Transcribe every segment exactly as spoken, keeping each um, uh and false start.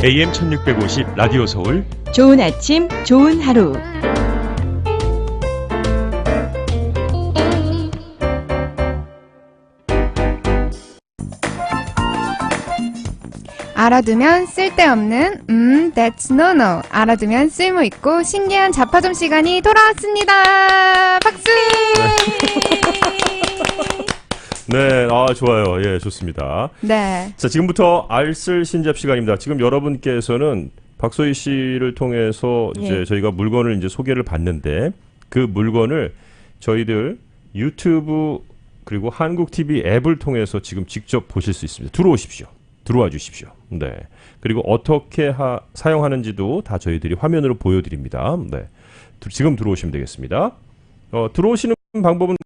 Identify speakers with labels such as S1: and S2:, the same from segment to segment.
S1: 에이엠 천육백오십 라디오 서울
S2: 좋은 아침, 좋은 하루.
S3: 알아두면 쓸데없는 음, that's no no. 알아두면 쓸모있고 신기한 자파점 시간이 돌아왔습니다. 박수!
S4: 네, 아 좋아요. 예, 좋습니다.
S3: 네.
S4: 자, 지금부터 알쓸 신잡 시간입니다. 지금 여러분께서는 박소희 씨를 통해서 이제
S2: 예.
S4: 저희가 물건을 이제 소개를 받는데 그 물건을 저희들 유튜브 그리고 한국 티비 앱을 통해서 지금 직접 보실 수 있습니다. 들어오십시오. 들어와 주십시오. 네. 그리고 어떻게 하, 사용하는지도 다 저희들이 화면으로 보여드립니다. 네. 두, 지금 들어오시면 되겠습니다. 어, 들어오시는 방법은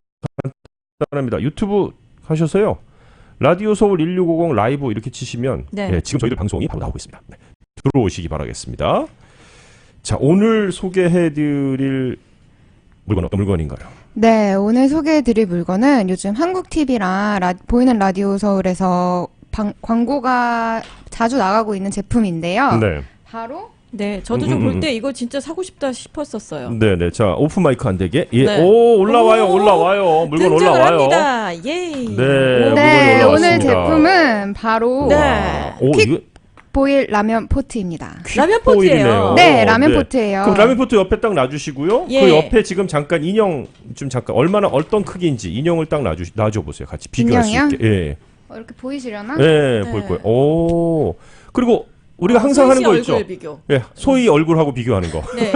S4: 간단합니다. 유튜브 하셔서요. 라디오 서울 일육오공 라이브 이렇게 치시면
S2: 네.
S4: 네, 지금 저희들 방송이 바로 나오고 있습니다. 네. 들어오시기 바라겠습니다. 자, 오늘 소개해드릴 물건 어떤 물건인가요?
S3: 네, 오늘 소개해드릴 물건은 요즘 한국 티비랑 라, 보이는 라디오 서울에서 방, 광고가 자주 나가고 있는 제품인데요.
S4: 네.
S3: 바로
S2: 네, 저도
S4: 음,
S2: 좀
S4: 음,
S2: 볼
S4: 음.
S2: 때 이거 진짜 사고 싶다 싶었었어요.
S4: 네네. 자, 오픈 마이크 안 되게. 예.
S2: 네.
S4: 오, 올라와요,
S2: 오,
S4: 올라와요. 물건
S2: 등장을
S4: 올라와요.
S2: 합니다. 예.
S4: 네,
S2: 오.
S4: 물건이
S3: 네, 오늘
S4: 올라왔습니다.
S3: 제품은 바로
S2: 네.
S4: 오,
S3: 퀵
S4: 이거
S3: 보일 라면 포트입니다.
S2: 라면
S4: 퀵보일이네요.
S2: 포트예요.
S3: 네, 라면
S4: 네.
S3: 포트예요.
S4: 그럼 라면 포트 옆에 딱 놔주시고요.
S2: 예.
S4: 그 옆에 지금 잠깐 인형 좀 잠깐 얼마나 어떤 크기인지 인형을 딱 놔주 놔줘 보세요. 같이 비교할
S3: 인형이요?
S4: 수 있게. 예.
S3: 어, 이렇게 보이시려나?
S4: 예,
S2: 네.
S4: 보일 거예요. 오. 그리고 우리가
S2: 어,
S4: 항상
S2: 소희
S4: 하는
S2: 씨
S4: 거
S2: 얼굴
S4: 있죠.
S2: 비교.
S4: 예, 소희 얼굴하고 비교하는 거.
S2: 네.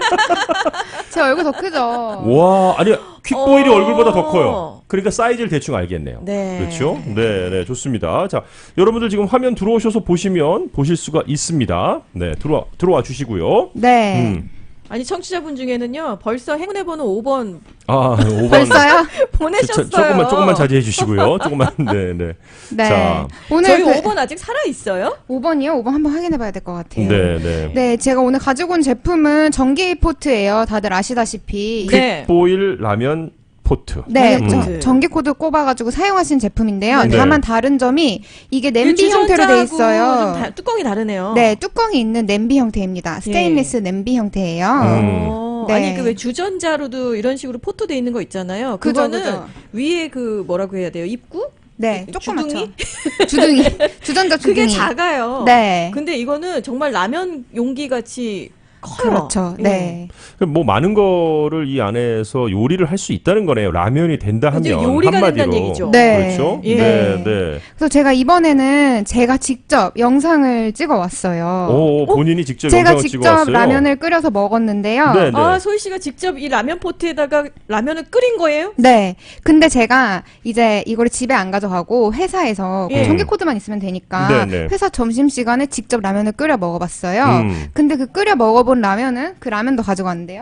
S3: 제 얼굴 더 크죠?
S4: 와, 아니 퀵보일이
S2: 어.
S4: 얼굴보다 더 커요. 그러니까 사이즈를 대충 알겠네요.
S2: 네.
S4: 그렇죠? 네, 네, 좋습니다. 자, 여러분들 지금 화면 들어오셔서 보시면 보실 수가 있습니다. 네, 들어와 들어와 주시고요.
S3: 네.
S4: 음.
S2: 아니 청취자분 중에는요. 벌써 행운의 번호 오 번
S4: 아, 오 번.
S3: 벌써요?
S2: 보내셨어요.
S4: 자, 조금만 조금만 자제해 주시고요. 조금만. 네, 네.
S3: 네.
S4: 자.
S3: 오늘
S2: 저희
S3: 그
S2: 오 번 아직 살아 있어요?
S3: 오 번이요? 오 번 한번 확인해 봐야 될 것 같아요.
S4: 네, 네.
S3: 네, 제가 오늘 가지고 온 제품은 전기 포트예요. 다들 아시다시피.
S2: 네.
S4: 퀵보일 라면 포트.
S3: 네,
S2: 라면
S3: 저-
S2: 포트.
S3: 전기 코드 꼽아가지고 사용하신 제품인데요.
S4: 네.
S3: 다만 다른 점이 이게 냄비 형태로 돼 있어요.
S2: 좀 다, 뚜껑이 다르네요.
S3: 네, 뚜껑이 있는 냄비 형태입니다. 스테인리스 냄비 형태예요.
S4: 음.
S2: 어,
S3: 네.
S2: 아니 그 왜 주전자로도 이런 식으로 포토돼 있는 거 있잖아요.
S3: 그죠,
S2: 그거는
S3: 그죠.
S2: 위에 그 뭐라고 해야 돼요? 입구?
S3: 네,
S2: 주둥이?
S3: 조그맣죠. 주둥이. 주전자 주둥이.
S2: 그게 작아요.
S3: 네.
S2: 근데 이거는 정말 라면 용기 같이 커요.
S3: 그렇죠.
S2: 예.
S3: 네.
S4: 뭐 많은 거를 이 안에서 요리를 할 수 있다는 거네요. 라면이 된다 하면
S2: 이제 요리가
S4: 한마디로.
S2: 된다는 얘기죠.
S3: 네.
S4: 그렇죠?
S2: 예.
S4: 네, 네.
S3: 그래서 제가 이번에는 제가 직접 영상을 찍어 왔어요.
S4: 오, 본인이 직접
S3: 제가
S4: 영상을
S3: 직접
S4: 찍어왔어요.
S3: 라면을 끓여서 먹었는데요.
S4: 네, 네.
S2: 아, 소희 씨가 직접 이 라면 포트에다가 라면을 끓인 거예요?
S3: 네. 근데 제가 이제 이거를 집에 안 가져가고 회사에서
S2: 예.
S3: 전기 코드만 있으면 되니까
S4: 네, 네.
S3: 회사 점심시간에 직접 라면을 끓여 먹어봤어요.
S4: 음.
S3: 근데 그 끓여 먹어본 라면은 그 라면도 가져갔는데요.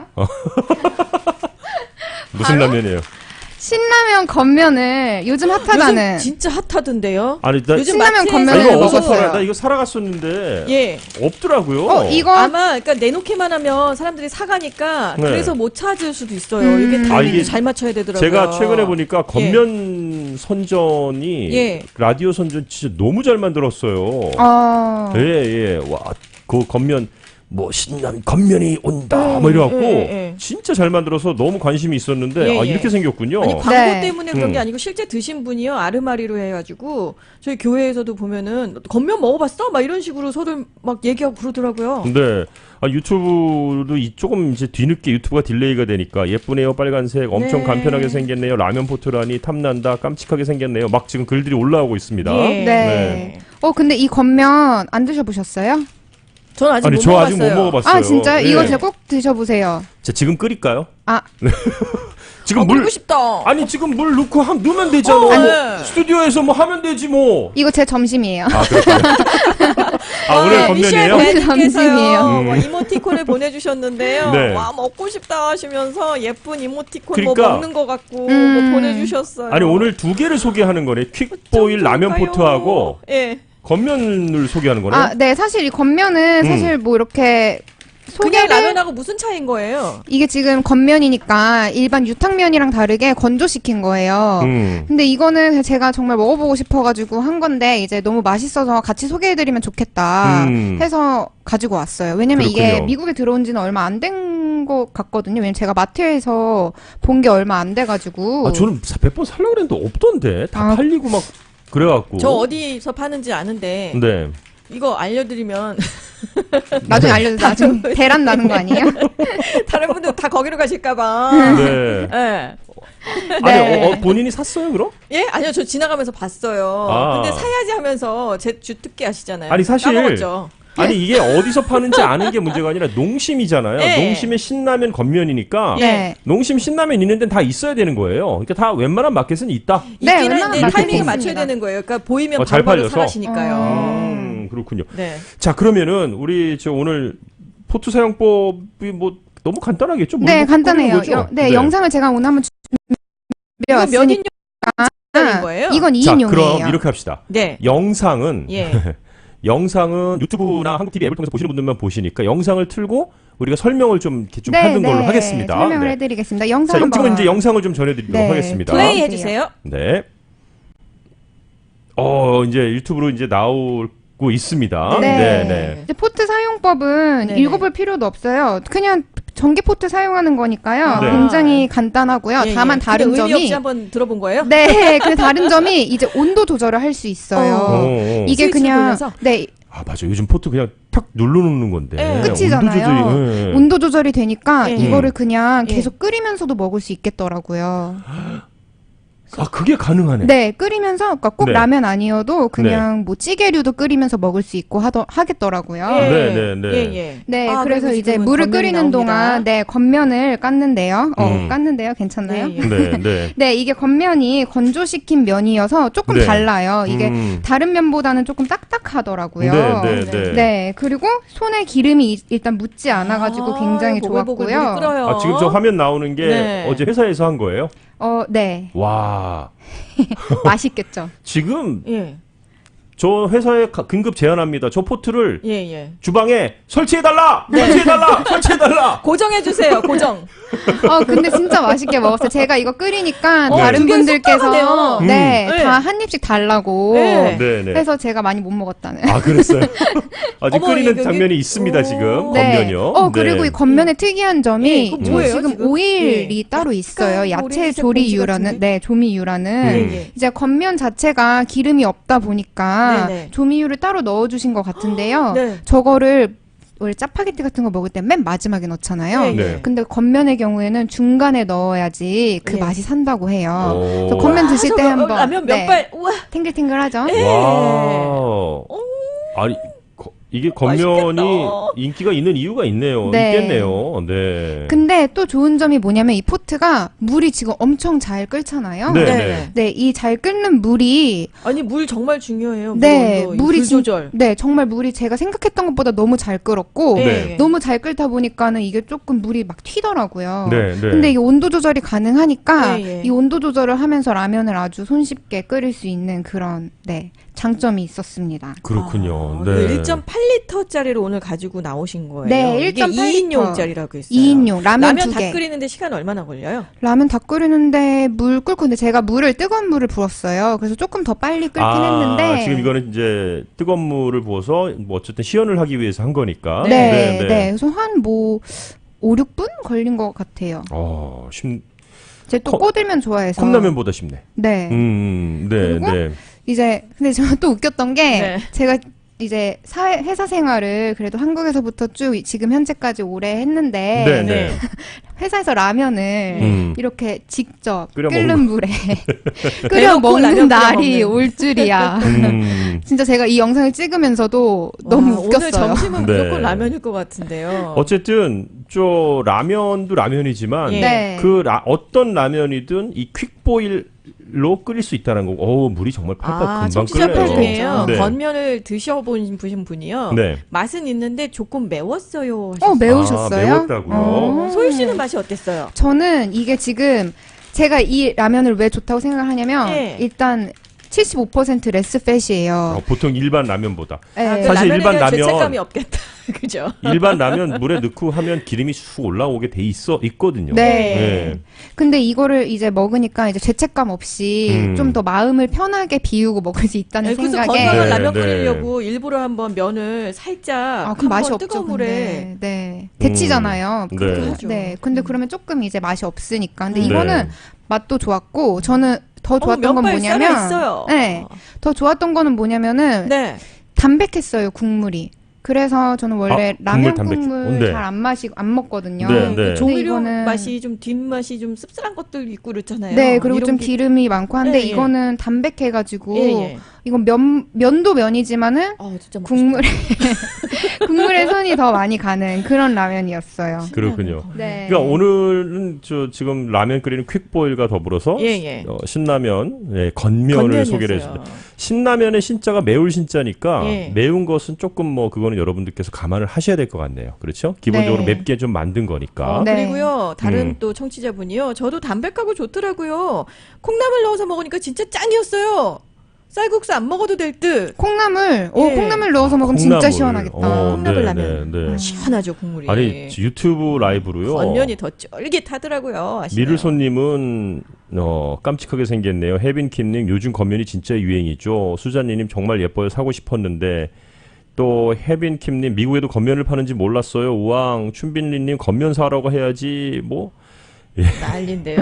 S4: 무슨
S3: 바로?
S4: 라면이에요?
S3: 신라면 겉면을 요즘 핫하다는
S2: 요즘 진짜 핫하던데요.
S4: 아니, 나,
S2: 요즘
S3: 신라면
S2: 마트에서
S4: 아,
S3: 겉면을
S4: 이거 어디서
S3: 먹었어요.
S4: 팔아요? 나 이거 살아갔었는데
S2: 예.
S4: 없더라고요.
S3: 어, 이거
S2: 아마 그러니까 내놓기만 하면 사람들이 사가니까
S4: 네.
S2: 그래서 못 찾을 수도 있어요.
S3: 음.
S2: 이게
S4: 아,
S2: 타이밍도
S4: 이게
S2: 잘 맞춰야 되더라고요.
S4: 제가 최근에 보니까 겉면 선전이
S2: 예.
S4: 라디오 선전 진짜 너무 잘 만들었어요.
S3: 어,
S4: 예, 예. 와, 그 겉면 뭐 신라면 겉면이 온다
S2: 음,
S4: 뭐 이래갖고
S2: 예, 예.
S4: 진짜 잘 만들어서 너무 관심이 있었는데
S2: 예,
S4: 아
S2: 예.
S4: 이렇게 생겼군요.
S2: 아니 광고
S3: 네.
S2: 때문에 그런 게
S4: 음.
S2: 아니고 실제 드신 분이요 아르마리로 해가지고 저희 교회에서도 보면은 겉면 먹어봤어? 막 이런 식으로 서로 막 얘기하고 그러더라고요.
S4: 근데 아, 유튜브도 이 조금 이제 뒤늦게 유튜브가 딜레이가 되니까 예쁘네요 빨간색 엄청
S2: 네.
S4: 간편하게 생겼네요 라면 포트라니 탐난다 깜찍하게 생겼네요 막 지금 글들이 올라오고 있습니다.
S2: 예.
S3: 네. 어, 근데 이 겉면 안 드셔보셨어요?
S2: 전 아직
S4: 아니
S2: 못
S4: 저
S2: 먹어봤어요.
S4: 아직 못 먹어봤어요.
S3: 아, 진짜요?
S4: 예.
S3: 이거 진짜 꼭 드셔보세요.
S4: 자, 지금 끓일까요?
S3: 아,
S4: 지금
S2: 아,
S4: 물
S2: 먹고 싶다.
S4: 아니 지금 물 넣고 하, 넣으면 되잖아.
S2: 어,
S4: 뭐
S2: 네.
S4: 스튜디오에서 뭐 하면 되지 뭐.
S3: 이거 제 점심이에요.
S4: 아 그렇군요. 아 오늘 겉면이에요?
S3: 미셸 점심이에요.
S2: 밴드께서요
S4: 음.
S2: 뭐 이모티콘을 보내주셨는데요.
S4: 네.
S2: 와 먹고 싶다 하시면서 예쁜 이모티콘
S4: 그러니까.
S2: 뭐 먹는 것 같고
S3: 음.
S2: 뭐 보내주셨어요.
S4: 아니 오늘 두 개를 소개하는 거네. 퀵보일 라면
S2: 좋을까요?
S4: 포트하고
S2: 예.
S4: 겉면을 소개하는 거네.
S3: 아, 네. 사실 이 겉면은
S4: 음.
S3: 사실 뭐 이렇게
S2: 그냥
S3: 소개를
S2: 라면하고 무슨 차이인 거예요?
S3: 이게 지금 겉면이니까 일반 유탕면이랑 다르게 건조시킨 거예요.
S4: 음.
S3: 근데 이거는 제가 정말 먹어보고 싶어가지고 한 건데 이제 너무 맛있어서 같이 소개해드리면 좋겠다
S4: 음.
S3: 해서 가지고 왔어요. 왜냐면 이게
S4: 그렇군요.
S3: 미국에 들어온 지는 얼마 안 된 것 같거든요. 왜냐면 제가 마트에서 본 게 얼마 안 돼가지고.
S4: 아, 저는 몇 번 살려고 그랬는데 없던데. 다
S3: 아.
S4: 팔리고 막 그래갖고.
S2: 저 어디서 파는지 아는데
S4: 네.
S2: 이거 알려드리면
S3: 나중에 알려줘. 나중에 대란 나는 거 아니에요?
S2: 다른 분들 다 거기로 가실까봐.
S4: 네.
S2: 예.
S4: 아니, 어, 어, 본인이 샀어요, 그럼?
S2: 예? 아니요, 저 지나가면서 봤어요.
S4: 아.
S2: 근데 사야지 하면서 제 주특기 아시잖아요.
S4: 아니, 사실
S2: 까먹었죠.
S4: 아니 이게 어디서 파는지 아는 게 문제가 아니라 농심이잖아요.
S2: 네.
S4: 농심의 신라면 겉면이니까
S3: 네.
S4: 농심 신라면 있는 데는 다 있어야 되는 거예요. 그러니까 다 웬만한 마켓은 있다.
S3: 네,
S2: 있긴
S3: 웬만한
S2: 한데
S3: 마켓이
S2: 타이밍을
S3: 있습니다.
S2: 맞춰야 되는 거예요. 그러니까 보이면
S4: 어, 잘
S2: 바로바로
S4: 팔려서?
S2: 사가시니까요.
S4: 음, 그렇군요.
S2: 네.
S4: 자, 그러면은 우리 저 오늘 포트 사용법이 뭐 너무 간단하겠죠?
S3: 네,
S4: 물
S3: 간단해요.
S4: 끓이는 거죠?
S3: 여- 네, 영상을 제가 오늘 한번
S2: 이거 몇
S3: 준비해왔으니까.
S2: 인용짜리인 거예요?
S3: 이건
S4: 자, 그럼
S3: 이인용이에요.
S4: 이렇게 합시다.
S2: 네.
S4: 영상은
S2: 예.
S4: 영상은 유튜브나 한국티비 앱을 통해서 보시는 분들만 보시니까 영상을 틀고 우리가 설명을 좀 이렇게 좀
S3: 네,
S4: 하는 걸로
S3: 네,
S4: 하겠습니다.
S3: 설명을
S4: 네.
S3: 해드리겠습니다. 영상
S4: 자,
S3: 한번.
S4: 지금 이제 영상을 좀 전해드리도록
S3: 네,
S4: 하겠습니다.
S2: 플레이 해주세요.
S4: 네. 어, 이제 유튜브로 이제 나오고 있습니다.
S3: 네.
S4: 네, 네.
S3: 이제 포트 사용법은
S2: 네네.
S3: 읽어볼 필요도 없어요. 그냥 전기 포트 사용하는 거니까요.
S4: 네.
S3: 굉장히 간단하고요.
S2: 예,
S3: 다만
S2: 예.
S3: 다른
S2: 근데 의미 없이
S3: 점이
S2: 한번 들어본 거예요?
S3: 네, 그 다른 점이 이제 온도 조절을 할 수 있어요.
S2: 어.
S4: 어, 어.
S3: 이게
S2: 스위치를
S3: 그냥
S2: 돌려서?
S3: 네
S4: 아, 맞아. 요즘 포트 그냥 탁 눌러놓는 건데.
S2: 네.
S3: 끝이잖아요.
S4: 온도 조절이, 네.
S3: 온도 조절이 되니까
S2: 예.
S3: 이거를 그냥
S2: 예.
S3: 계속 끓이면서도 먹을 수 있겠더라고요.
S4: 아, 그게 가능하네.
S3: 네, 끓이면서 그러니까 꼭
S4: 네.
S3: 라면 아니어도 그냥 뭐 찌개류도 끓이면서 먹을 수 있고 하더 하겠더라고요.
S2: 예.
S4: 네, 네, 네.
S2: 예, 예.
S3: 네,
S2: 아,
S3: 그래서
S2: 그리고
S3: 이제
S2: 지금은
S3: 물을
S2: 겉면이
S3: 끓이는
S2: 나옵니다.
S3: 동안 네 겉면을 깠는데요. 어,
S4: 음.
S3: 깠는데요, 괜찮나요?
S2: 네, 예.
S4: 네, 네.
S3: 네, 이게 겉면이 건조시킨 면이어서 조금
S4: 네.
S3: 달라요. 이게
S4: 음.
S3: 다른 면보다는 조금 딱딱하더라고요.
S4: 네, 네, 네.
S3: 네, 그리고 손에 기름이 이- 일단 묻지 않아가지고
S2: 아,
S3: 굉장히
S2: 보글보글 물이
S3: 좋았고요.
S2: 끓어요.
S4: 아, 지금 저 화면 나오는 게
S2: 네.
S4: 어제 회사에서 한 거예요?
S3: 어, 네,
S4: 와.
S3: 맛있겠죠.
S4: 지금
S2: 예,
S4: 저 회사에 가- 긴급 제안합니다. 저 포트를
S2: 예, 예.
S4: 주방에 설치해달라! 설치해달라! 설치해달라!
S2: 고정해주세요, 고정.
S3: 어, 근데 진짜 맛있게 먹었어요. 제가 이거 끓이니까
S2: 어,
S3: 다른
S2: 두 개는
S3: 분들께서
S2: 쏙
S3: 네,
S2: 음.
S3: 다 한 입씩 달라고
S2: 네.
S4: 네, 네.
S3: 해서 제가 많이 못 먹었다는.
S4: 아, 그랬어요? 아직
S2: 어머,
S4: 끓이는
S2: 여기-
S4: 장면이 있습니다,
S2: 오.
S4: 지금.
S3: 네.
S4: 겉면이요.
S3: 어, 그리고
S4: 네.
S3: 이 겉면의 특이한 점이
S2: 예, 그거
S3: 저
S2: 뭐예요,
S3: 지금,
S2: 지금?
S3: 오일이
S2: 예.
S3: 따로 있어요.
S2: 약간
S3: 야채
S2: 오렌지색
S3: 조리유라는,
S2: 봉지 같은데?
S3: 네, 조미유라는.
S4: 음.
S2: 예, 예.
S3: 이제 겉면 자체가 기름이 없다 보니까
S2: 네네.
S3: 조미유를 따로 넣어주신 것 같은데요.
S2: 네.
S3: 저거를 원래 짜파게티 같은 거 먹을 때 맨 마지막에 넣잖아요.
S2: 네,
S4: 네.
S3: 근데 겉면의 경우에는 중간에 넣어야지 그
S2: 예.
S3: 맛이 산다고 해요.
S4: 오.
S3: 그래서 겉면 드실 때
S2: 아, 저
S3: 한번
S2: 라면
S3: 네.
S2: 몇발 우와.
S3: 탱글탱글하죠.
S2: 예.
S4: 와. 아니, 거- 이게 겉면이
S2: 맛있겠다.
S4: 인기가 있는 이유가 있네요.
S3: 네.
S4: 있겠네요. 네.
S3: 근데 또 좋은 점이 뭐냐면 이 포트가 물이 지금 엄청 잘 끓잖아요.
S4: 네,
S2: 네.
S4: 네.
S3: 네, 이 잘 끓는 물이
S2: 아니 물 정말 중요해요. 물
S3: 네,
S2: 온도, 이
S3: 물이
S2: 불
S3: 진-
S2: 조절.
S3: 네, 정말 물이 제가 생각했던 것보다 너무 잘 끓었고
S4: 네.
S3: 너무 잘 끓다 보니까는 이게 조금 물이 막 튀더라고요.
S4: 네, 네.
S3: 근데 이게 온도 조절이 가능하니까
S2: 네, 예.
S3: 이 온도 조절을 하면서 라면을 아주 손쉽게 끓일 수 있는 그런 네, 장점이 있었습니다.
S4: 그렇군요.
S2: 아,
S4: 네.
S2: 그 일 점 팔 리터짜리를 오늘 가지고 나오신 거예요.
S3: 네,
S2: 이게
S3: 일 점 팔 리터.
S2: 이 인용짜리라고 했어요.
S3: 이 인용 라면,
S2: 라면
S3: 두
S2: 다
S3: 개.
S2: 끓이는데 시간 얼마나 걸려요?
S3: 라면 다 끓이는데 물 끓고 근데 제가 물을 뜨거운 물을 부었어요. 그래서 조금 더 빨리 끓긴
S4: 아,
S3: 했는데
S4: 지금 이거는 이제 뜨거운 물을 부어서 뭐 어쨌든 시연을 하기 위해서 한 거니까.
S3: 네, 네, 그래서 한 뭐 오, 육 분 걸린 것 같아요.
S4: 어, 쉽,
S3: 제가 또
S4: 컵-
S3: 꼬들면 좋아해서.
S4: 컵라면보다 쉽네.
S3: 네.
S4: 음, 네,
S3: 그리고
S4: 네.
S3: 이제 근데 저는 또 웃겼던 게
S2: 네.
S3: 제가 이제 사회 회사 생활을 그래도 한국에서부터 쭉 지금 현재까지 오래 했는데
S4: 네,
S2: 네.
S4: 네.
S3: 회사에서 라면을
S4: 음.
S3: 이렇게 직접
S4: 끓여
S3: 끓는
S4: 먹는
S3: 물에 끓여
S2: 대놓고
S3: 먹는
S2: 라면 끓여
S3: 날이
S2: 먹는.
S3: 올 줄이야.
S4: 음.
S3: 진짜 제가 이 영상을 찍으면서도 너무
S2: 와,
S3: 웃겼어요.
S2: 오늘 점심은
S4: 네.
S2: 무조건 라면일 것 같은데요.
S4: 어쨌든 저 라면도 라면이지만
S2: 예.
S3: 네.
S4: 그 라, 어떤 라면이든 이 퀵보일로 끓일 수 있다는 거고. 어, 물이 정말 팔팔
S2: 아,
S4: 금방
S2: 청취자
S4: 끓네요.
S2: 편 중에요.
S4: 네.
S2: 겉면을 드셔본 분- 분이요.
S4: 네.
S2: 맛은 있는데 조금 매웠어요. 하셨어요.
S3: 어 매우셨어요?
S4: 아, 매웠다고요?
S3: 어.
S2: 소유 씨는 맛이 어땠어요?
S3: 저는 이게 지금 제가 이 라면을 왜 좋다고 생각을 하냐면
S2: 예.
S3: 일단 칠십오 퍼센트 레스 팻이에요.
S4: 어, 보통 일반 라면보다.
S3: 네.
S2: 아, 그
S4: 사실
S2: 라면에
S4: 일반
S2: 대한
S4: 라면-
S2: 죄책감이 없겠다. 그죠?
S4: 일반 라면 물에 넣고 하면 기름이 쑥 올라오게 돼 있어 있거든요.
S3: 네.
S4: 네.
S3: 근데 이거를 이제 먹으니까 이제 죄책감 없이
S4: 음.
S3: 좀 더 마음을 편하게 비우고 먹을 수 있다는
S2: 네, 그래서
S3: 생각에.
S2: 건강한
S4: 네,
S2: 라면
S4: 네.
S2: 끓이려고 일부러 한번 면을 살짝
S3: 아, 그럼 맛이
S2: 한번
S3: 없죠.
S2: 뜨거운 물에
S3: 근데. 네. 데치잖아요.
S4: 음.
S3: 그렇게
S4: 네.
S3: 하죠. 네. 근데 그러면 조금 이제 맛이 없으니까. 근데
S2: 음.
S3: 이거는
S4: 네.
S3: 맛도 좋았고 저는 더
S2: 어,
S3: 좋았던 건
S2: 면발
S3: 뭐냐면
S2: 살아있어요.
S3: 네. 더 좋았던 거는 뭐냐면은
S2: 네.
S3: 담백했어요, 국물이. 그래서 저는 원래
S4: 아,
S3: 라면
S4: 국물 담백-
S3: 국물
S4: 네.
S3: 잘 안 마시고 안 먹거든요.
S4: 네, 네.
S3: 근데
S2: 조미료
S3: 이거는
S2: 맛이 좀 뒷맛이 좀 씁쓸한 것들 있고 그렇잖아요.
S3: 네, 그리고
S2: 이런
S3: 좀
S2: 게-
S3: 기름이 많고 한데
S2: 예, 예.
S3: 이거는 담백해가지고
S2: 예, 예.
S3: 이건 면 면도 면이지만은
S2: 아, 진짜 먹고
S3: 국물에 국물에 손이 더 많이 가는 그런 라면이었어요.
S2: 싶다.
S4: 그렇군요.
S3: 네.
S4: 그러니까 오늘은 저 지금 라면 끓이는 퀵보일과 더불어서
S2: 예, 예.
S4: 어, 신라면, 예, 건면을
S2: 건면이었어요.
S4: 소개를 했습니다. 신라면의 신자가 매울 신자니까
S2: 예.
S4: 매운 것은 조금 뭐 그거는 여러분들께서 감안을 하셔야 될 것 같네요. 그렇죠? 기본적으로
S3: 네.
S4: 맵게 좀 만든 거니까.
S2: 어,
S3: 네.
S2: 그리고요, 다른
S4: 음.
S2: 또 청취자분이요. 저도 담백하고 좋더라고요. 콩나물 넣어서 먹으니까 진짜 짱이었어요. 쌀국수 안 먹어도 될 듯.
S3: 콩나물, 오
S2: 예.
S3: 콩나물 넣어서 먹으면 진짜
S4: 콩나물.
S3: 시원하겠다.
S4: 어,
S2: 콩나물
S4: 네,
S2: 라면.
S4: 네, 네.
S2: 시원하죠, 국물이.
S4: 아니 유튜브 라이브로요.
S2: 건면이 더 쫄깃하더라고요. 아시나요?
S4: 미르손님은 어, 깜찍하게 생겼네요. 혜빈킴님 요즘 건면이 진짜 유행이죠. 수잔니님 정말 예뻐요. 사고 싶었는데 또 혜빈킴님 미국에도 건면을 파는지 몰랐어요. 우왕 춘빈리님 건면 사라고 해야지 뭐.
S2: 난린데요.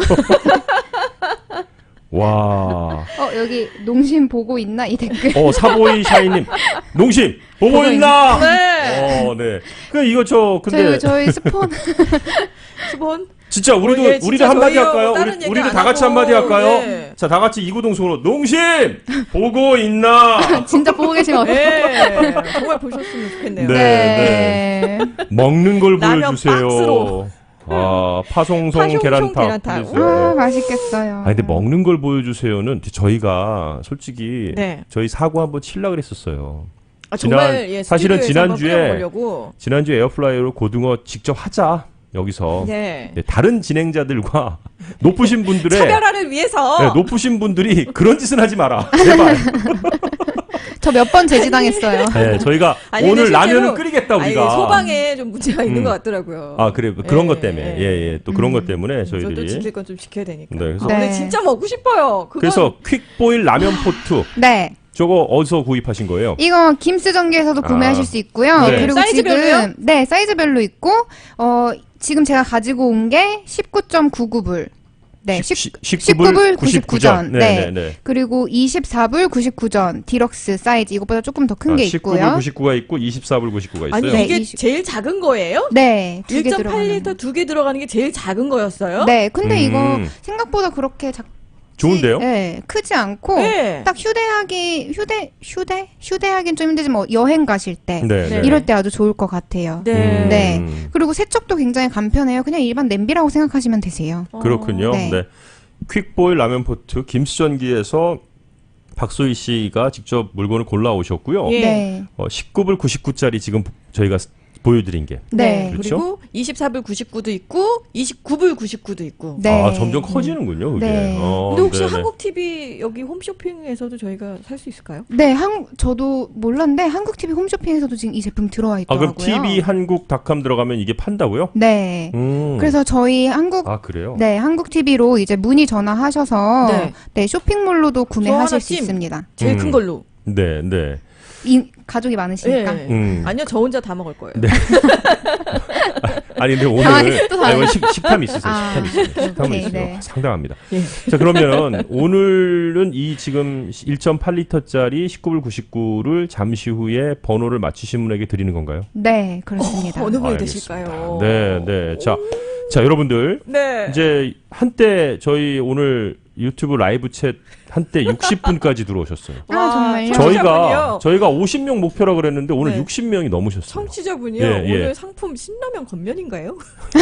S4: 와.
S3: 어 여기 농심 보고 있나 이 댓글.
S4: 어 사보이 샤이님 농심 보고
S3: 보고
S4: 있나?
S2: 네.
S4: 어 네. 그 이거 저 근데
S3: 저희 저희 스폰
S2: 수본.
S4: 진짜 우리도
S2: 어, 예, 진짜
S4: 우리도 한마디
S2: 저희요.
S4: 할까요?
S2: 다른
S4: 우리,
S2: 얘기
S4: 우리도
S2: 안
S4: 다 같이
S2: 하고.
S4: 한마디 할까요?
S2: 네.
S4: 자, 다 같이 이구동성으로 농심 보고 있나?
S3: 진짜 보고 계시면 어떡-
S2: 네. 정말 보셨으면 좋겠네요.
S4: 네.
S3: 네.
S4: 먹는 걸
S2: 라면
S4: 보여주세요.
S2: 박스로.
S4: 아, 파송송
S2: 파송송
S4: 계란탕.
S2: 계란탕.
S4: 보여주세요.
S3: 아
S4: 네.
S3: 맛있겠어요.
S4: 아, 근데 먹는 걸 보여주세요는 저희가 솔직히
S2: 네.
S4: 저희 사고 한번 칠라 그랬었어요.
S2: 아,
S4: 지난-
S2: 정말 예,
S4: 사실은
S2: 스튜디오에서 한번
S4: 지난주에
S2: 끓여보려고.
S4: 지난주 에어플라이어로 고등어 직접 하자. 여기서
S2: 네.
S4: 네, 다른 진행자들과 높으신 분들의
S2: 차별화를 위해서.
S4: 네, 높으신 분들이 그런 짓은 하지 마라. 제발.
S3: 저 몇 번 제지당했어요.
S4: 네, 저희가
S2: 아니,
S4: 오늘
S2: 근데 실제로-
S4: 라면을 끓이겠다
S2: 아니,
S4: 우리가.
S2: 소방에 좀 문제가 있는
S4: 음.
S2: 것 같더라고요.
S4: 아 그래 그런
S2: 예,
S4: 것 때문에
S2: 예.
S4: 예예 또 그런
S3: 음.
S4: 것 때문에
S2: 저도
S4: 저희들이
S2: 지킬 건 좀 지켜야 되니까.
S4: 네, 그래서-
S2: 아, 근데
S3: 네.
S2: 진짜 먹고 싶어요. 그건
S4: 그래서 퀵보일 라면 포트
S3: 네.
S4: 저거 어디서 구입하신 거예요?
S3: 이거 김스전기에서도
S4: 아.
S3: 구매하실 수 있고요.
S4: 네.
S3: 그리고
S2: 사이즈별로요?
S3: 지금 네 사이즈별로 있고 어 지금 제가 가지고 온 게 십구 점 구구 불. 네, 십-
S4: 십구 불 구십구 전.
S3: 네.
S4: 네, 네, 네.
S3: 그리고 이십사 불 구십구 전 디럭스 사이즈 이것보다 조금 더 큰 게
S4: 아, 십구 불
S3: 있고요.
S4: 구십구가 있고 이십사 불 구십구가 있어요.
S2: 아니
S3: 네,
S2: 이게
S3: 이십-
S2: 제일 작은 거예요?
S3: 네, 두 개
S2: 일 점 팔
S3: 들어가는.
S2: 리터 두 개 들어가는 게 제일 작은 거였어요?
S3: 네, 근데 이거
S4: 음.
S3: 생각보다 그렇게 작
S4: 좋은데요?
S3: 네, 크지 않고
S2: 네.
S3: 딱 휴대하기 휴대 휴대 휴대하기는 좀 힘들지만 뭐 여행 가실 때
S4: 네, 네.
S3: 이럴 때 아주 좋을 것 같아요.
S2: 네.
S3: 네.
S4: 음,
S3: 그리고 세척도 굉장히 간편해요. 그냥 일반 냄비라고 생각하시면 되세요.
S2: 어.
S4: 그렇군요.
S3: 네.
S4: 네. 퀵보일 라면 포트 김수전기에서 박소희 씨가 직접 물건을 골라 오셨고요.
S2: 예.
S3: 네.
S4: 어, 십구 불 구십구 짜리 지금 저희가 보여드린 게.
S3: 네.
S4: 그렇죠?
S2: 그리고 이십사 불 구십구도 있고 이십구 불 구십구도 있고.
S3: 네.
S4: 아 점점 커지는군요. 그게.
S3: 네.
S4: 어,
S2: 근데 혹시
S4: 네네.
S2: 한국 티비 여기 홈쇼핑에서도 저희가 살 수 있을까요?
S3: 네, 한 저도 몰랐는데 한국 티비 홈쇼핑에서도 지금 이 제품 들어와
S4: 아
S3: 있더라고요.
S4: 그럼 티비 한국닷컴 들어가면 이게 판다고요?
S3: 네.
S4: 음.
S3: 그래서 저희 한국
S4: 아 그래요?
S3: 네, 한국 티비로 이제 문의 전화하셔서
S2: 네.
S3: 네, 쇼핑몰로도 구매하실
S2: 저 하나
S3: 수
S2: 찜.
S3: 있습니다.
S2: 제일
S4: 음.
S2: 큰 걸로.
S4: 네, 네.
S3: 이, 가족이 많으시니까.
S2: 예.
S4: 음.
S2: 아니요, 저 혼자 다 먹을 거예요.
S4: 네. 아니 근데 오늘
S3: 당황했어, 또
S4: 아니, 오늘 식, 식탐이 있으세요.
S3: 아,
S4: 식탐이 있어요. 식탐은
S3: 오케이,
S4: 있어요.
S3: 네.
S4: 상당합니다.
S2: 예.
S4: 자 그러면은 오늘은 이 지금 일 점 팔 리터짜리 십구 불 구십구를 잠시 후에 번호를 맞추신 분에게 드리는 건가요?
S3: 네, 그렇습니다.
S2: 어느 분이
S4: 알겠습니다.
S2: 되실까요?
S4: 네, 네. 자, 자 여러분들
S2: 네.
S4: 이제 한때 저희 오늘 유튜브 라이브 챗 한때 육십 분까지 들어오셨어요.
S3: 아, 정말요?
S4: 저희가
S2: 청취자분이요.
S4: 저희가 오십 명 목표라 그랬는데 오늘
S2: 네.
S4: 육십 명이 넘으셨어요.
S2: 청취자분이요.
S4: 예, 예.
S2: 오늘 상품 신라면 건면인가요?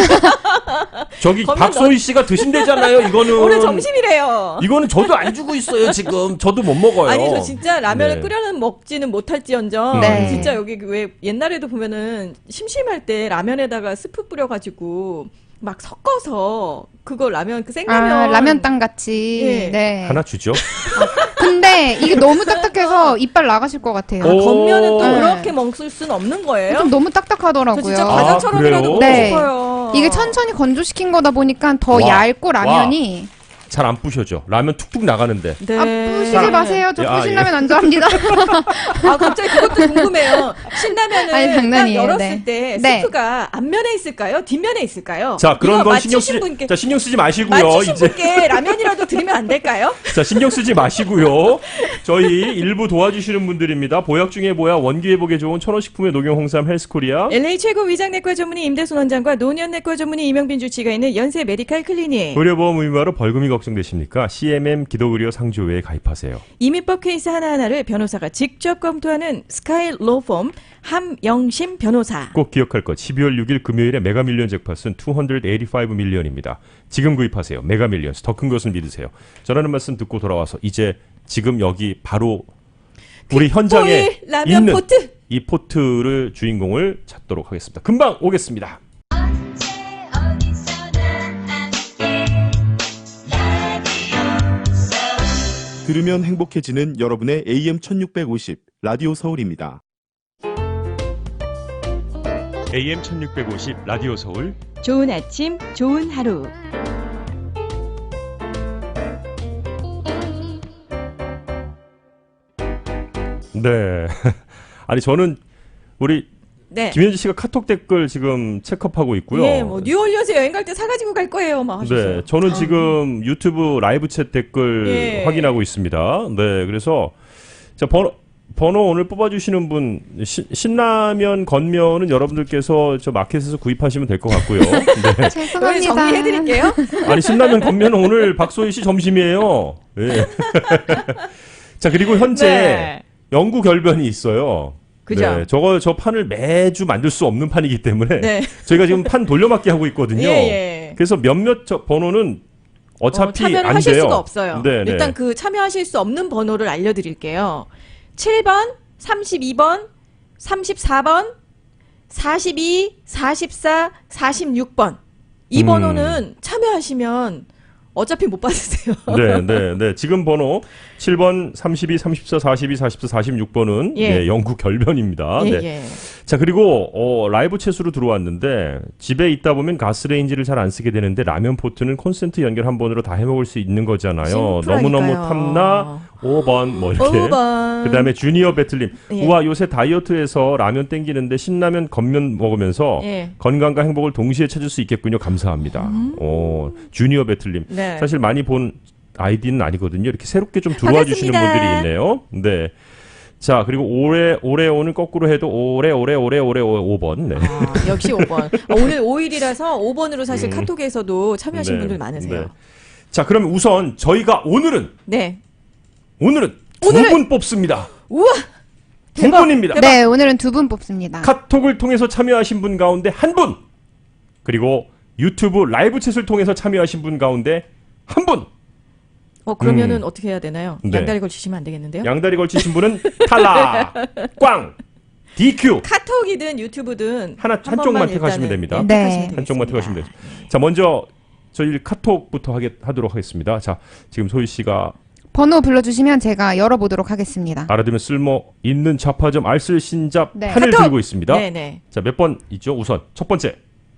S4: 저기
S2: 건면
S4: 박소희 씨가 드신대잖아요. 이거는
S2: 오늘 점심이래요.
S4: 이거는 저도 안 주고 있어요. 지금 저도 못 먹어요.
S2: 아니 저 진짜 라면을
S4: 네.
S2: 끓여는 먹지는 못할지언정
S3: 네.
S2: 진짜 여기 왜 옛날에도 보면은 심심할 때 라면에다가 스프 뿌려가지고 막 섞어서 그거 라면 그 생라면
S3: 아, 라면 땅 같이.
S2: 예.
S3: 네.
S4: 하나 주죠.
S3: 근데 이게 너무 딱딱해서 이빨 나가실 것 같아요.
S2: 아,
S4: 오.
S2: 겉면은 또
S3: 네.
S2: 그렇게 먹을 수는 없는 거예요?
S3: 좀 너무
S2: 저
S3: 딱딱하더라고요.
S2: 진짜
S4: 아,
S2: 과자처럼이라도
S4: 그래요?
S2: 먹고
S3: 네.
S2: 싶어요.
S3: 이게 천천히 건조시킨 거다 보니까 더
S4: 와.
S3: 얇고 라면이
S4: 잘 안 부셔져. 라면 툭툭 나가는데.
S2: 네.
S3: 아, 부시지 마세요. 저
S4: 아,
S3: 부신라면 안 좋아합니다.
S2: 아, 갑자기 그것도 궁금해요. 신라면을
S3: 아니,
S2: 딱
S3: 장난이에요.
S2: 열었을
S3: 네.
S2: 때
S3: 네.
S2: 스프가 앞면에 있을까요? 뒷면에 있을까요?
S4: 자, 그런
S2: 이거
S4: 건 신경
S2: 맞추신
S4: 쓰지,
S2: 분께
S4: 자, 신경 쓰지 마시고요.
S2: 맞추신
S4: 이제.
S2: 분께 라면이라도 드리면 안 될까요?
S4: 자, 신경 쓰지 마시고요. 저희 일부 도와주시는 분들입니다. 보약 중에 보약, 원기 회복에 좋은 천호식품의 녹용 홍삼 헬스코리아.
S2: 엘에이 최고 위장내과 전문의 임대순 원장과 노년내과 전문의 이명빈 주치가 있는 연세 메디칼 클리닉.
S4: 의료보험 의무화로 벌금이 걱정되십니까? 씨엠엠 기독의료 상조회에 가입하세요.
S2: 이민법 케이스 하나하나를 변호사가 직접 검토하는 스카이 로펌 함영심 변호사.
S4: 꼭 기억할 것. 십이월 육일 금요일에 메가밀리언 잭팟은 이백팔십오 밀리언입니다. 지금 구입하세요. 메가밀리언스. 더 큰 것을 믿으세요. 전하는 말씀 듣고 돌아와서 이제 지금 여기 바로 우리 현장에
S2: 뽀일 라면
S4: 있는
S2: 포트.
S4: 이 포트를 주인공을 찾도록 하겠습니다. 금방 오겠습니다.
S5: 들으면 행복해지는 여러분의 에이엠 천육백오십 라디오 서울입니다.
S1: 에이엠 천육백오십 라디오 서울
S2: 좋은 아침, 좋은 하루.
S4: 네. 아니 저는 우리
S2: 네.
S4: 김현지 씨가 카톡 댓글 지금 체크업하고 있고요.
S2: 예, 뭐 뉴올리언스 여행 갈 때 사가지고 갈 거예요, 막 하셨어요.
S4: 네, 저는 지금 유튜브 라이브 챗 댓글
S2: 예.
S4: 확인하고 있습니다. 네, 그래서 자 번호 번호 오늘 뽑아주시는 분 시, 신라면 건면은 여러분들께서 저 마켓에서 구입하시면 될 것 같고요. 네.
S2: 여기
S3: 죄송합니다.
S2: 정리해드릴게요.
S4: 아니 신라면 건면은 오늘 박소희 씨 점심이에요. 네. 자 그리고 현재
S2: 네.
S4: 영구 결변이 있어요.
S2: 그죠?
S4: 네, 저거 저 판을 매주 만들 수 없는 판이기 때문에
S2: 네.
S4: 저희가 지금 판 돌려막기 하고 있거든요.
S2: 예, 예.
S4: 그래서 몇몇 저 번호는 어차피
S2: 어, 참여를
S4: 안
S2: 하실
S4: 돼요.
S2: 수가 없어요.
S4: 네, 네.
S2: 일단 그 참여하실 수 없는 번호를 알려드릴게요. 칠 번, 삼십이 번, 삼십사 번, 사십이, 사십사, 사십육 번. 이
S4: 음.
S2: 번호는 참여하시면 어차피 못 받으세요.
S4: 네, 네, 네. 지금 번호 칠 번, 삼십이, 삼십사, 사십이, 사십사, 사십육 번은
S2: 예.
S4: 예, 영구 결변입니다.
S2: 예,
S4: 네.
S2: 예.
S4: 자, 그리고 어, 라이브 챗으로 들어왔는데 집에 있다 보면 가스레인지를 잘 안 쓰게 되는데 라면 포트는 콘센트 연결 한 번으로 다 해먹을 수 있는 거잖아요.
S2: 심플하니까요.
S4: 너무너무 탐나 오 번 뭐 이렇게.
S2: 오 번.
S4: 그다음에 주니어 배틀님.
S2: 예.
S4: 우와 요새 다이어트에서 라면 땡기는데 신라면 겉면 먹으면서
S2: 예.
S4: 건강과 행복을 동시에 찾을 수 있겠군요. 감사합니다. 오, 주니어 배틀님.
S2: 음. 네.
S4: 사실 많이 본 아이디는 아니거든요. 이렇게 새롭게 좀 들어와 주시는
S2: 반갑습니다.
S4: 분들이 있네요. 네. 자 그리고 올해 올해 오늘 거꾸로 해도 올해 올해 올해 올해 오 번. 네.
S2: 아, 역시 오 번. 아, 오늘 오 일이라서 오 번으로 사실
S4: 음.
S2: 카톡에서도 참여하신
S4: 네,
S2: 분들 많으세요.
S4: 네. 자 그럼 우선 저희가 오늘은
S2: 네.
S4: 오늘은
S2: 오늘은-
S4: 두 분 뽑습니다.
S2: 우와!
S4: 두
S2: 대박!
S4: 분입니다.
S3: 네, 오늘은 두 분 뽑습니다.
S4: 카톡을 통해서 참여하신 분 가운데 한 분. 그리고 유튜브 라이브 챗을 통해서 참여하신 분 가운데 한 분.
S2: 어, 그러면은
S4: 음.
S2: 어떻게 해야 되나요?
S4: 네.
S2: 양다리 걸치시면 안 되겠는데요?
S4: 양다리 걸치신 분은 탈락. 꽝. 디큐.
S2: 카톡이든 유튜브든
S4: 하나
S2: 한
S4: 한쪽만
S2: 번만
S4: 택하시면
S2: 일단은,
S4: 됩니다.
S2: 예,
S3: 네.
S2: 택하시면
S4: 한쪽만
S2: 되겠습니다.
S4: 택하시면 돼요. 자, 먼저 저희 카톡부터 하게, 하도록 하겠습니다. 자, 지금 소희 씨가
S3: 번호 불러주시면 제가 열어보도록 하겠습니다.
S4: 알아두면 쓸모 있는 좌파점 알쓸 신잡
S3: 네.
S4: 판을
S2: 카톡!
S4: 들고 있습니다.
S2: 네네.
S4: 자, 몇 번 있죠? 우선 첫 번째.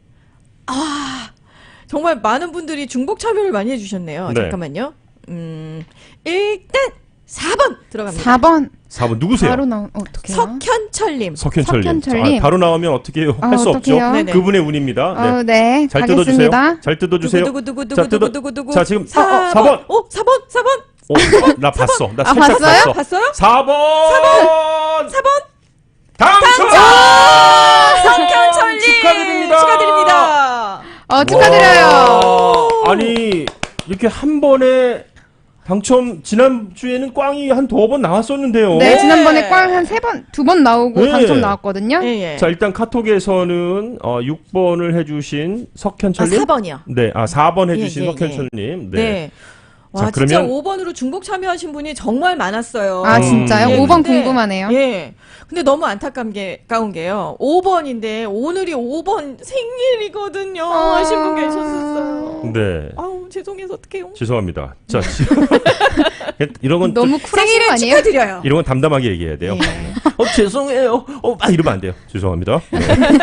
S2: 정말 많은 분들이 중복 참여를 많이 해주셨네요.
S4: 네.
S2: 잠깐만요. 음, 일단 사 번 들어갑니다.
S3: 사 번
S4: 사 번 누구세요?
S3: 바로 나오 어떡해요?
S2: 석현철님.
S4: 석현철님.
S3: 석현철님.
S4: 자, 바로 나오면 어떻게 해요?
S3: 아,
S4: 할 수 없죠.
S3: 어떡해요?
S2: 네네.
S4: 그분의 운입니다. 네.
S3: 어, 네,
S4: 잘 뜯어주세요.
S3: 가겠습니다.
S4: 잘 뜯어주세요.
S2: 두구 두구 두구
S4: 자,
S2: 두구
S4: 뜯어-
S2: 두구 두구
S4: 자, 지금
S2: 사 번.
S4: 사 번.
S2: 어, 사 번. 사 번.
S4: 어, 나 봤어. 나
S3: 아,
S4: 살짝
S3: 봤어요?
S4: 봤어.
S2: 봤어요?
S4: 사 번.
S2: 사 번.
S4: 당첨!
S2: 석현철님
S4: 축하드립니다.
S2: 축하드립니다.
S3: 어, 축하드려요.
S4: 와, 아니 이렇게 한 번에 당첨 지난주에는 꽝이 한 두어 번 나왔었는데요.
S3: 네, 지난번에 꽝 한 세 번, 두 번 나오고
S4: 네.
S3: 당첨 나왔거든요.
S2: 예, 예.
S4: 자 일단 카톡에서는 어, 육 번을 해주신
S2: 아,
S4: 석현철님.
S2: 사 번이요.
S4: 네, 아 사 번 해주신
S2: 예, 예,
S4: 석현철님.
S2: 네.
S4: 네.
S2: 와,
S4: 자,
S2: 진짜
S4: 그러면-
S2: 오 번으로 중복 참여하신 분이 정말 많았어요.
S3: 아, 진짜요?
S4: 음.
S3: 오 번
S2: 근데-
S3: 궁금하네요.
S2: 예. 근데 너무 안타까운 게, 까운 게요. 오 번인데 오늘이 오 번 생일이거든요.
S3: 아.
S2: 하신 분 계셨었어요.
S4: 네.
S2: 아우, 죄송해서 어떡해요.
S4: 죄송합니다. 자, 이런 건
S3: 너무
S4: 좀-
S3: 쿨하신 거
S2: 생일을
S3: 아니에요?
S2: 축하드려요.
S4: 이런 건 담담하게 얘기해야 돼요.
S2: 예.
S4: 어, 죄송해요. 어, 아, 이러면 안 돼요. 죄송합니다. 네.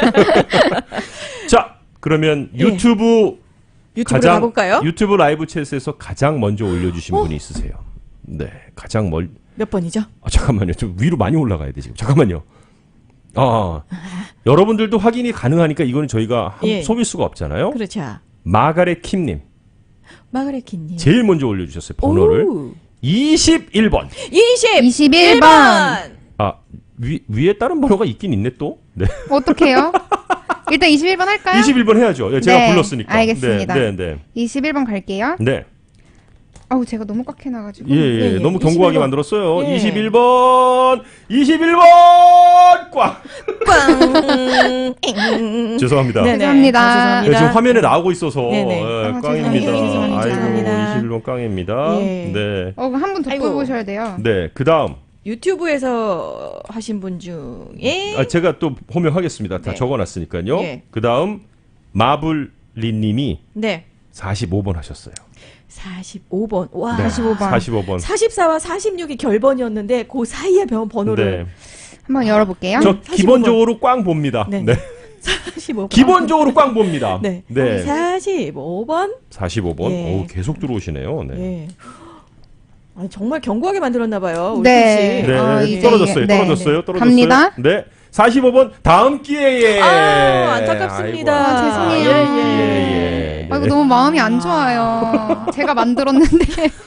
S4: 자, 그러면
S2: 예.
S4: 유튜브
S2: 유튜브로
S4: 가장
S2: 가볼까요?
S4: 유튜브 라이브 챗에서 가장 먼저 올려주신
S2: 어?
S4: 분이 있으세요. 네, 가장 멀.
S2: 몇 번이죠?
S4: 아, 잠깐만요. 좀 위로 많이 올라가야 돼 지금. 잠깐만요. 아, 여러분들도 확인이 가능하니까 이거는 저희가 한-
S2: 예.
S4: 속일 수가 없잖아요.
S2: 그렇죠.
S4: 마가렛 킴님
S2: 마가렛 킴님.
S4: 제일 먼저 올려주셨어요. 번호를
S2: 오.
S4: 이십일 번.
S2: 이십일
S3: 이십일 번.
S4: 아, 위 위에 다른 번호가 있긴 있네 또. 네.
S3: 어떡해요? 일단 이십일 번 할까요?
S4: 이십일 번 해야죠. 예, 제가
S3: 네,
S4: 불렀으니까.
S3: 알겠습니다.
S4: 네, 네,
S3: 이십일 번 갈게요.
S4: 네. 네.
S3: 아우, 제가 너무 꽉 해놔가지고.
S4: 예, 예,
S2: 예, 예.
S4: 너무
S2: 이십일
S4: 견고하게
S2: 번.
S4: 만들었어요.
S2: 예.
S4: 이십일 번, 이십일 번 꽉.
S2: 꽝. 엥.
S4: 죄송합니다.
S2: 네네.
S3: 죄송합니다.
S2: 아,
S4: 네, 지금 화면에 나오고 있어서
S2: 네네.
S4: 예,
S3: 아,
S4: 꽝입니다.
S3: 죄송해요.
S4: 아이고,
S2: 죄송합니다.
S4: 이십일 번 꽝입니다.
S2: 예.
S4: 네.
S3: 어, 한 분 더
S2: 아이고.
S3: 뽑으셔야 돼요.
S4: 네, 그다음
S2: 유튜브에서 하신 분 중에
S4: 아, 제가 또 호명하겠습니다. 다
S2: 네.
S4: 적어놨으니까요.
S2: 예.
S4: 그다음 마블리님이
S2: 네.
S4: 사십오 번 하셨어요.
S2: 사십오 번. 와.
S4: 네,
S3: 사십오 번.
S4: 사십오 번.
S2: 사십사와 사십육이 결번이었는데 그 사이에 번 번호를
S4: 네.
S3: 한번 열어볼게요.
S4: 저
S2: 사십오 번.
S4: 기본적으로 꽝 봅니다.
S2: 네.
S4: 네.
S2: 사십오 번.
S4: 기본적으로 꽝 봅니다.
S2: 네.
S4: 네.
S2: 사십오 번.
S4: 사십오 번.
S2: 예.
S4: 오, 계속 들어오시네요. 네.
S2: 예. 아니, 정말 견고하게 만들었나 봐요. 우리
S3: 네.
S2: 씨.
S4: 네,
S3: 아, 이제-
S4: 떨어졌어요.
S3: 네.
S4: 떨어졌어요. 떨어졌어요.
S3: 갑니다.
S4: 네. 사십오 번 다음 기회에.
S2: 아, 안타깝습니다.
S3: 아, 죄송해요.
S2: 예, 예.
S4: 예, 예.
S3: 아이고,
S4: 네.
S3: 너무 마음이 안 좋아요. 제가 만들었는데.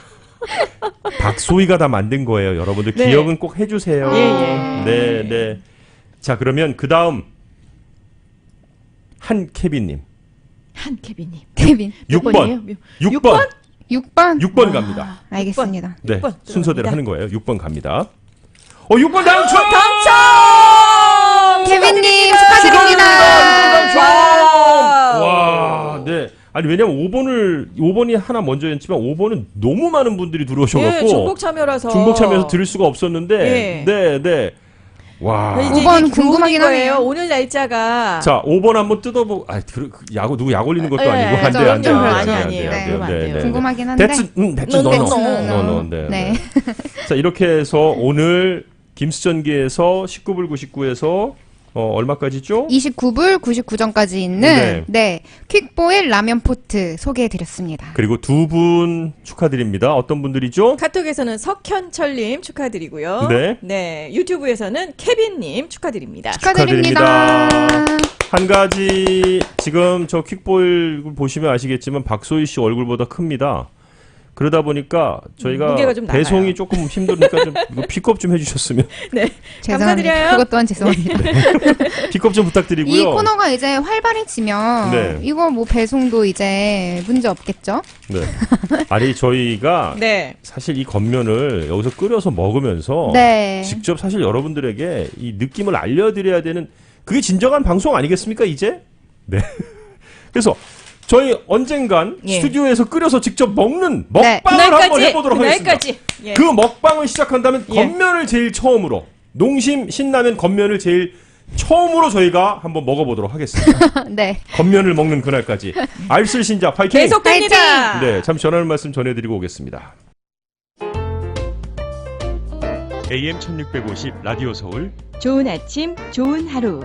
S4: 박소희가 다 만든 거예요. 여러분들
S2: 네.
S4: 기억은 꼭 해주세요.
S2: 예, 예.
S4: 네, 네. 자, 그러면 그 다음 한케빈님
S2: 한케빈님.
S3: 케빈.
S2: 몇
S4: 육 번,
S2: 번이에요? 몇-
S4: 육 번,
S3: 육 번.
S4: 육 번 갑니다.
S3: 알겠습니다.
S4: 네,
S2: 육 번
S4: 순서대로
S2: 들어갑니다.
S4: 하는 거예요. 육 번 갑니다. 어, 육 번 당첨!
S2: 당첨!
S3: 케빈님
S2: 축하드립니다.
S3: 축하드립니다.
S2: 와.
S4: 와, 네. 아니 왜냐면 오 번을 오 번이 하나 먼저였지만 오 번은 너무 많은 분들이 들어오셔갖고
S2: 예, 중복 참여라서.
S4: 중복 참여해서 들을 수가 없었는데,
S2: 예.
S4: 네, 네. 와.
S2: 이제
S3: 오 번
S2: 이게
S3: 궁금하긴
S2: 교훈인 거예요.
S3: 하네요.
S2: 오늘 날짜가.
S4: 자, 오 번 한번 뜯어보고, 아, 그, 그 야구, 누구 약 올리는 것도
S2: 예,
S4: 아니고,
S2: 예,
S4: 안 돼,
S3: 좀
S4: 안 돼,
S3: 그렇죠.
S4: 안 돼,
S2: 아니,
S4: 안 돼,
S2: 아니에요.
S4: 안 돼,
S2: 그러면 안
S4: 네,
S2: 돼요.
S4: 네.
S3: 궁금하긴 한데.
S4: 대츠, 음, 대츠,
S2: 넌
S4: 너,
S2: 됐어.
S4: 너, 너, 너, 네,
S3: 네.
S4: 네. 자, 이렇게 해서 오늘 김수전기에서 십구 불 구십구에서 어, 얼마까지죠?
S3: 이십구 불 구십구 전까지 있는
S4: 네.
S3: 네. 퀵보일 라면 포트 소개해 드렸습니다.
S4: 그리고 두 분 축하드립니다. 어떤 분들이죠?
S2: 카톡에서는 석현철님 축하드리고요.
S4: 네.
S2: 유튜브에서는 케빈님 축하드립니다.
S3: 축하드립니다.
S4: 한 가지 지금 저 퀵보일 보시면 아시겠지만 박소희 씨 얼굴보다 큽니다. 그러다 보니까 저희가
S2: 무게가 좀 나가요.
S4: 배송이 조금 힘드니까 좀 이거 픽업 좀 해주셨으면
S2: 네.
S3: 죄송합니다.
S2: 감사드려요.
S3: 그것 또한 죄송합니다.
S4: 픽업 좀 부탁드리고요.
S3: 이 코너가 이제 활발해지면
S4: 네.
S3: 이거 뭐 배송도 이제 문제 없겠죠?
S4: 네. 아니 저희가
S2: 네.
S4: 사실 이 겉면을 여기서 끓여서 먹으면서
S3: 네.
S4: 직접 사실 여러분들에게 이 느낌을 알려드려야 되는 그게 진정한 방송 아니겠습니까 이제? 네. 그래서 저희 언젠간
S2: 예.
S4: 스튜디오에서 끓여서 직접 먹는
S3: 네.
S4: 먹방을 한번 해보도록 하겠습니다.
S2: 그날까지. 예.
S4: 그 먹방을 시작한다면
S2: 예.
S4: 겉면을 제일 처음으로 농심 신라면 겉면을 제일 처음으로 저희가 한번 먹어보도록 하겠습니다.
S3: 네.
S4: 겉면을 먹는 그날까지 알쓸신자 파이팅!
S2: 계속됩니다.
S4: 네, 잠시 전하는 말씀 전해드리고 오겠습니다.
S1: 에이엠 천육백오십 라디오 서울
S6: 좋은 아침, 좋은 하루.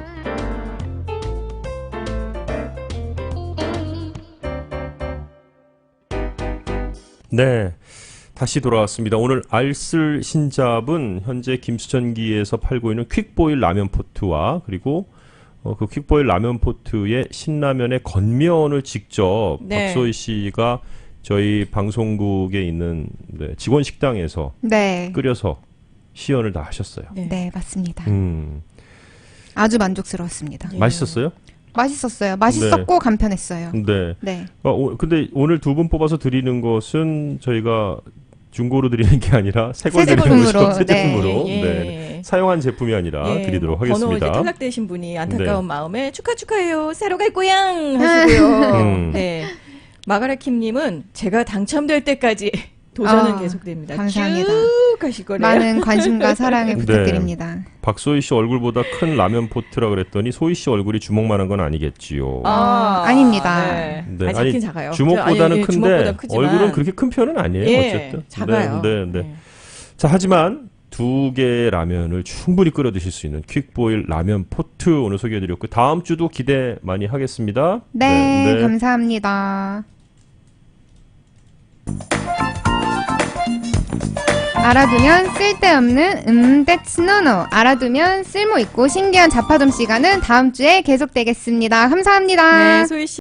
S4: 네, 다시 돌아왔습니다. 오늘 알쓸 신잡은 현재 김수전기에서 팔고 있는 퀵보일 라면 포트와 그리고 어, 그 퀵보일 라면 포트의 신라면의 겉면을 직접
S2: 네.
S4: 박소희 씨가 저희 방송국에 있는 네, 직원 식당에서
S3: 네.
S4: 끓여서 시연을 다 하셨어요.
S2: 네.
S3: 네, 맞습니다.
S4: 음,
S3: 아주 만족스러웠습니다.
S2: 예.
S4: 맛있었어요?
S3: 맛있었어요. 맛있었고 간편했어요.
S4: 네.
S3: 네.
S4: 어, 오, 근데 오늘 두 분 뽑아서 드리는 것은 저희가 중고로 드리는 게 아니라 새걸
S3: 새
S4: 드리는 거죠.
S3: 제품으로,
S4: 새
S3: 네.
S4: 제품으로.
S2: 예, 예.
S4: 네. 사용한 제품이 아니라
S2: 예,
S4: 드리도록
S2: 뭐 번호
S4: 하겠습니다.
S2: 이제 탈락되신 분이 안타까운
S4: 네.
S2: 마음에 축하 축하해요. 새로 갈 고향 하시고요.
S4: 음.
S2: 네. 마가렛 킴님은 제가 당첨될 때까지 도전은
S3: 아,
S2: 계속됩니다.
S3: 감사합니다.
S2: 쭉 가실 거래요.
S3: 많은 관심과 사랑을
S4: 네.
S3: 부탁드립니다.
S4: 박소희 씨 얼굴보다 큰 라면 포트라 그랬더니 소희 씨 얼굴이 주먹만한 건 아니겠지요.
S3: 아, 아닙니다.
S2: 네.
S4: 네,
S2: 아니, 작긴 작아요.
S4: 주먹보다는
S2: 저, 아니,
S4: 큰데
S2: 주먹보다 크지만.
S4: 얼굴은 그렇게 큰 편은 아니에요.
S2: 예,
S4: 어쨌든.
S2: 작아요.
S4: 네, 네, 네.
S2: 네.
S4: 자, 하지만 두 개의 라면을 충분히 끓여 드실 수 있는 퀵보일 라면 포트 오늘 소개해드렸고 다음 주도 기대 많이 하겠습니다.
S3: 네, 감사합니다. 알아두면 쓸데없는 음, that's no no. 알아두면 쓸모있고 신기한 자파점 시간은 다음 주에 계속되겠습니다. 감사합니다.
S2: 네, 소희 씨.